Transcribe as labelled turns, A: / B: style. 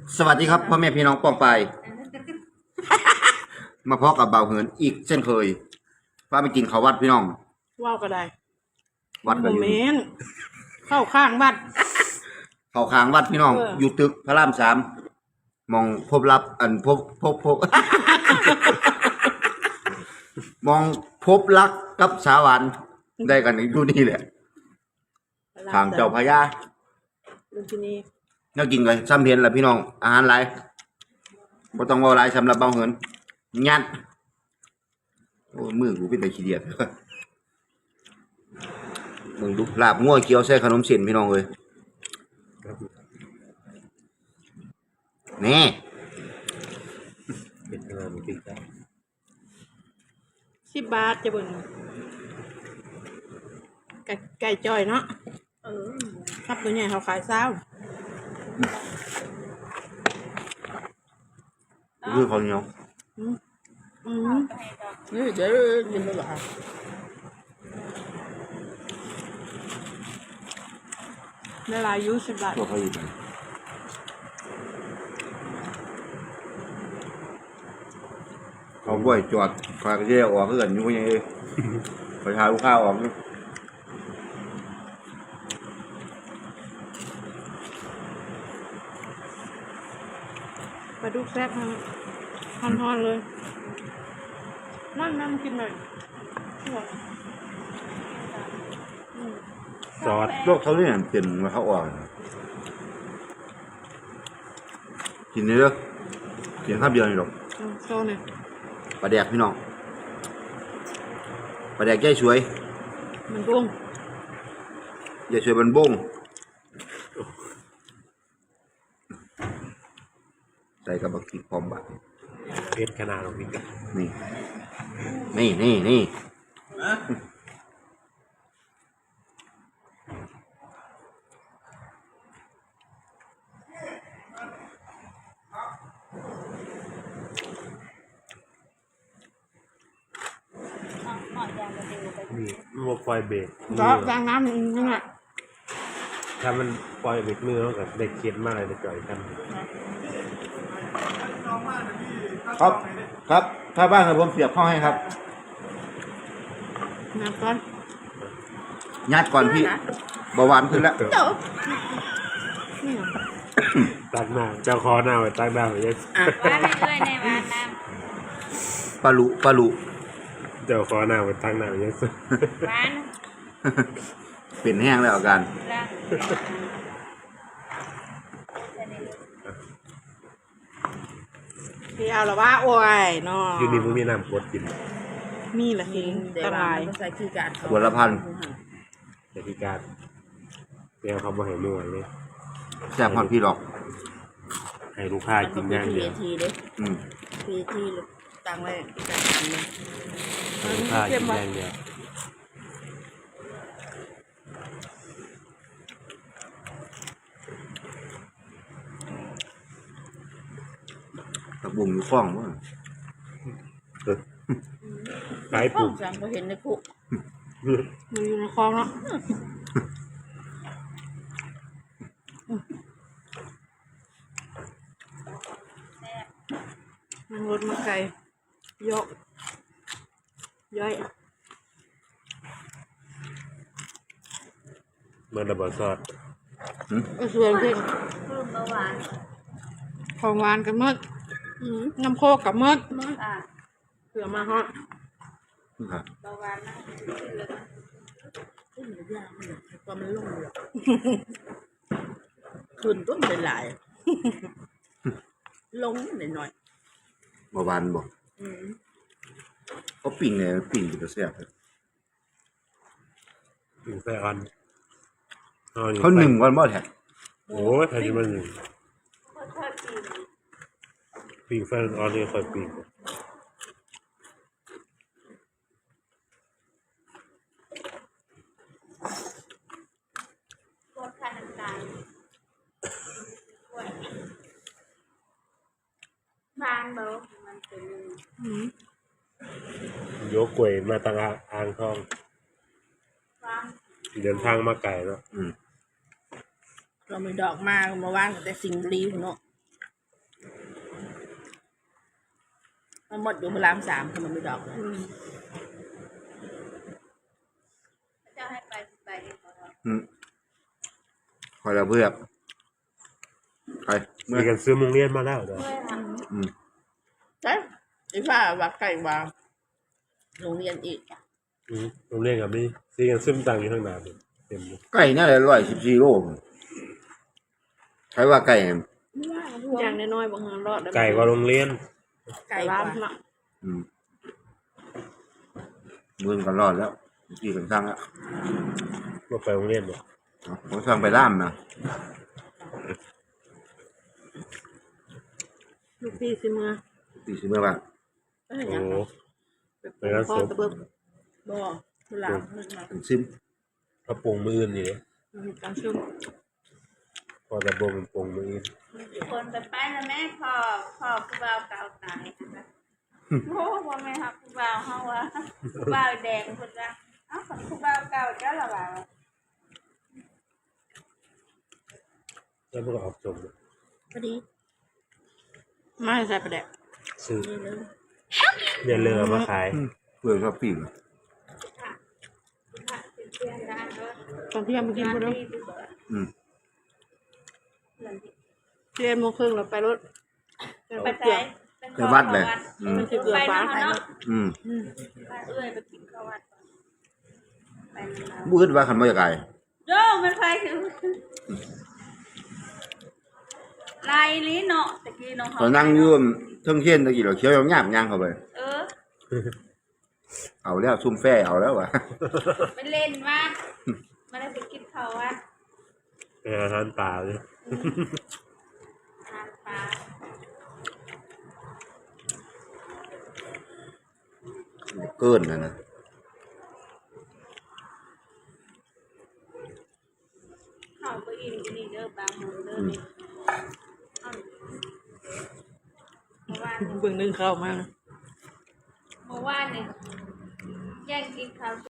A: สวัสดีครับพ่อแม่พี่น้องป้องไปมาพบกับเบาเหินอีกเช่นเคยว่าไปกินข้าววัดพี่น้อง
B: ว่าวก็ได้
A: วัดกันอยู่
B: เข้าข้างวัด
A: เข้าข้างวัดพี่น้องอยู่ตึกพระราม3มองพบรับอันพบ มองพบรักกับสาวหวานได้กันอยู่นี่แหละทางเจ้าพญา
B: ลุงที่นี่
A: น่ากินเลยซ้ำเพียนแหละพี่น้องอาหารหลายบ่ต้องว่าหลายสำหรับเบาเหินยัดโอ้มือกูเป็นตะขี้เดียดมึงดูลาบงัวเกี๊ยวใส่ขนมเส้นพี่น้องเอ้ยนี่
C: เป็นงานติ๊กต็อก
B: 10 บาทจะเบิ่งไก่จอยเนาะครับตัวใหญ่เขาขาย20
A: คือเขาวเหนียว
B: นี่เดี๋ยวกินไปหรอเวลาอายุ10 บาท
A: ตัวเขาอยู่เขาบ่อยจอดคอยก็แยกออกเพื่อนอยู่ว่ายังไงคอยหาลูกค้าออกอยู่
B: ปลาดุกแซ่บฮอนๆเลยนั่งกินหน่อย
C: ซอส
A: โลกเขาเนี่ยเปลี่ยนมาเขาออกกินเยอะกินข้าวเดียวนี่หรอก
B: โซเนี่ย
A: ปลาแดกพี่น้องปลาแดกแก่ช่วย
B: มันบุ้ง
A: แก่ช่วยมันบุ้งใส่กับบักพริกพร้อมบะ
C: เพชรขนาดของพี่
A: นี่
C: นี่มันปล่อยเบรก
B: ล้างน้ำนี่แหละ
C: ถ้ามันปล่อยเบรกมือแล้วกับเด็กเก็ดมากเลยจะจ่อยกัน
A: ครับถ้าบ้านครับผมเสียบเข้าให้ครับ
B: น้ำก้อน
A: ยัดก่อนพี่เบาหวานขึ้นแล้ว
C: ตั้งหน้าเจ้าคอหน้าไว้ตั้งหน้าไว้ยัง
D: ว่าไม่ด้วยในวันน้
A: ปลาลุ
C: เจ้าคอหน้าไว้ตั้งหน้าไว้ยัง
D: ำวัน
A: เปลี่ยนแห้งแล้วอาการ
B: พี่เอาละว่าโอ้ยเนาะ
C: อยู่นี่มึงมีน้ำกดกิน
B: มีละหิงตราย
A: ขวดละ1,000
C: แต่ที่การเดี๋ยวเขาบอกให้มั่วเลย
A: แซ่บพอดพี่หรอก
C: ให้ลูกค้ากินง่ายเดียว
B: ทีตังไว้
C: ให้ลูกค้ากินง่ายเดียว
A: ตะบุ่งอยู่ฟ้องวะ
C: ขายปลูก
B: จังก็เห็นในคุกมันอยู่ในคลองเนาะมันรถมาไกลยกย่อย
C: เมื่อระเบิดซอส
B: ส่วนเพ่ง
D: คือเมื่อวาน
B: ของหวานกันมดน้ำโคกกับมดเสือมาฮะ
D: เมื่อวานนะ
B: ขึ้นยากเลยความมันลงเลยขึ้นต้นเป็นหลายลงหน่อย
A: เบาหวานบอกเขาปิ่งไงปิ่งอยู่แต่แซ่บ
C: ปิ่งไส้อ่อน
A: เขาหนึ่งวันบ่แท้
C: โอ้ยใครจะมาหนึ่งปิ่งไส้อ่อนนี่ค่อยปิ่ง
D: ปวดขาน้ำตาลบางเบามันเป็น
C: ยกกล้วยมาตั้งอ่างทองเดินทางมาไกลแล้ว
B: เราไม่ดอกมาว่างแต่สิ่งรีเนาะ
E: มันหมดอยู่พระรามสามคือมันไม่ดอกเลย
D: เจ้าให้ไปเองบ่
A: คอยเราเพื่อกไปเมื่อ
C: มีกันซื้อโรงเรียนมาแล้วเด้อ
D: เมื่อท
E: ใช่ไอ้ฟ้าวัดไก่วางโรงเรียนอีกอะ
C: โรงเรียนกับนี่ซื้อกันซึมตังอยู่ข้างหน้าเต็มเลย
A: ไก่น่าจะ114 โลใครว่าไก่
B: อย่างน้อยๆบางงานรอดได้
C: ไก่กว่าโรงเรียน
E: ไก่ก
B: ร้าน
E: ว่า
B: เนาะ
A: มือกันรอดแล้วกี่กันสร้างแล้ว
C: มาไปโรงเรียนเนี่ย
A: ผมสร้างไปล่ามนะ
B: ลูกพี่สิมือ
A: ตีสิเมื่อบ้าง
E: เอ้ย
C: โอ้
E: ยัง
C: โห
B: ไปพ่อตะเบิบ
E: บ่พระรามนึกมา
A: เป็นซิม
C: กระโปรงมืออื่นนี่
B: มีการชุ่ม
C: พอกระโปรงเป็นโปรงมืออื่น
D: ำคนไปแล้วแม่พ่อผู้บ่าวเก่าตายนะคะโอ้บ่แม่ครับผู้บ่าวเฮาว่าผู้บ่าวแดงเพิ่นว่าเอ้าผู้บ่าวเก่าเจ้าละว่า
C: แล้วมันก็ออกจมเลย
E: พอดี
B: ไม่ใส่ประเด็ก
C: ซื้อ
E: นี่เลย
C: เนี่ยเรือมาขาย
A: เพื่อชอบปิ้ง
B: ตอนเที่ยงมากินพอดี
A: อืม
B: เรียนโมงครึ่งเราไปรถ
D: ไป
B: เกี่ยว
A: ไปวัดเลยอืม
B: มันจะเกลือฟ้า
D: ไปเนาะ
A: อืม
D: ไปเอื้อยไปกินข้าววัดไปแล้ว
A: บูดว่าขันบ่อยากไก่
D: โยมันไปคือลายลิ้นเนาะตะกี้น้อง
A: ตอนนั่งอยู่เทิงเทียนตะกี้เราเคี้ยวยำย่างเข้าไป
D: เออ
A: เอาแล้วซุ่มแฟ่เอาแล้ววะ
D: ไปเล่นมากมาได้ไปกินข้าววัด
C: เป็นอาหารป่าเลย
D: ทานปลา
A: เกินนะนะ
D: ข้าวก็อิ่มก็นี่เด้อบางมื้อเด้อนี่เมื่อวาน
B: เบิ่งนึงเข้ามา
D: เมื่อวานนี่แย่งกินข้าว